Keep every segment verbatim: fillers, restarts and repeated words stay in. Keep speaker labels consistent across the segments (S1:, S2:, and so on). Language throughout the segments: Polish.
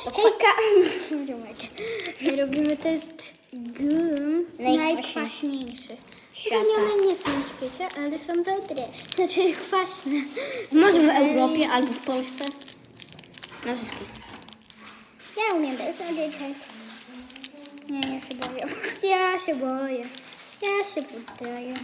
S1: Hejka! Ziomek. Robimy test gum najkwaśniejszy.
S2: Świata.
S1: Pewnie one nie są na świecie, ale są dobre. Znaczy kwaśne.
S2: Może w Europie albo w Polsce. Nożyczki.
S1: Ja umiem bez nożyczek. Nie, ja się boję. Ja się boję. Ja się poddaję.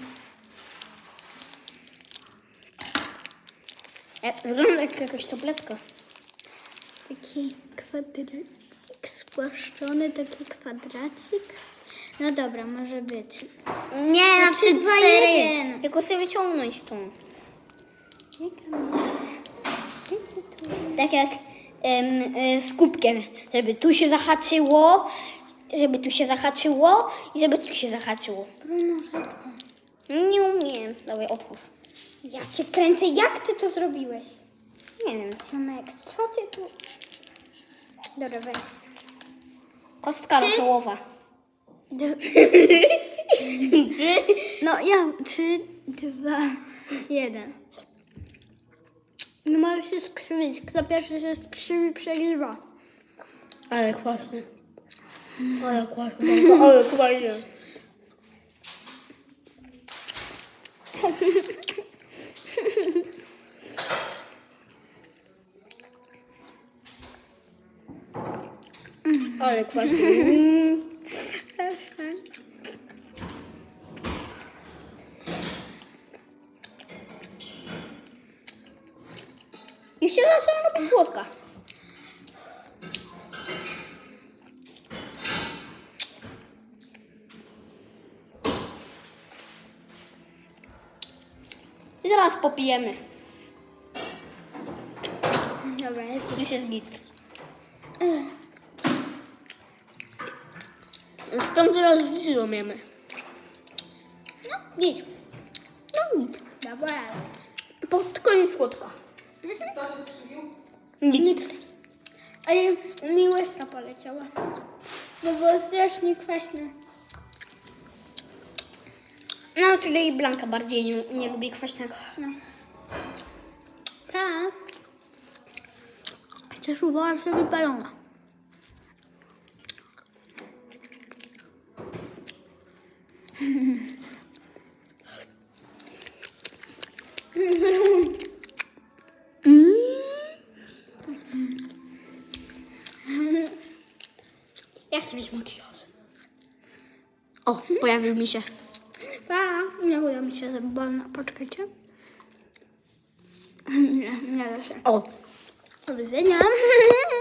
S2: E, Wygląda jak jakaś tabletka.
S1: Taki kwadracik spłaszczony, taki kwadracik. No dobra, może być.
S2: Nie, na
S1: trzy,
S2: trzy,
S1: dwa,
S2: cztery.
S1: jeden.
S2: Tylko sobie wyciągnąć tą.
S1: Jaka może? Wiecie tu?
S2: Tak jak em, e, z kubkiem. Żeby tu się zahaczyło, żeby tu się zahaczyło i żeby tu się zahaczyło.
S1: Bruno, szybko.
S2: Nie umiem. Dawaj, otwórz.
S1: Ja cię kręcę. Jak ty to zrobiłeś?
S2: Nie wiem.
S1: Ziomek, co ty tu... Dobra, weź.
S2: Kostka
S1: Trzy.
S2: rosołowa. Trzy.
S1: No ja, trzy, dwa, jeden. No możesz się skrzywić. Kto pierwszy się skrzywi, przegrywa.
S2: Ale kwaśne. Ale kwaśne. Ale kwaśne. Ale kwaśne. I się zaczęła robić słodka. I zaraz popijemy.
S1: Dobra, jest.
S2: Już jest git. Już piąty raz w życiu umiemy.
S1: No, git.
S2: No git.
S1: Dobra.
S2: Pod koniec słodka.
S3: Kto się skrzywił?
S2: Nikt.
S1: Ale mi łyżka poleciała. Bo było strasznie kwaśne.
S2: No, czyli Blanka bardziej nie, nie lubi kwaśnego.
S1: No. Pra. Chcesz uważać sobie balona.
S2: Ja chcę mieć makijaż. O, pojawił mi się.
S1: Pa. Nie uda mi się zrobić balona. Poczekajcie. Nie, nie da się.
S2: O,
S1: Do widzenia.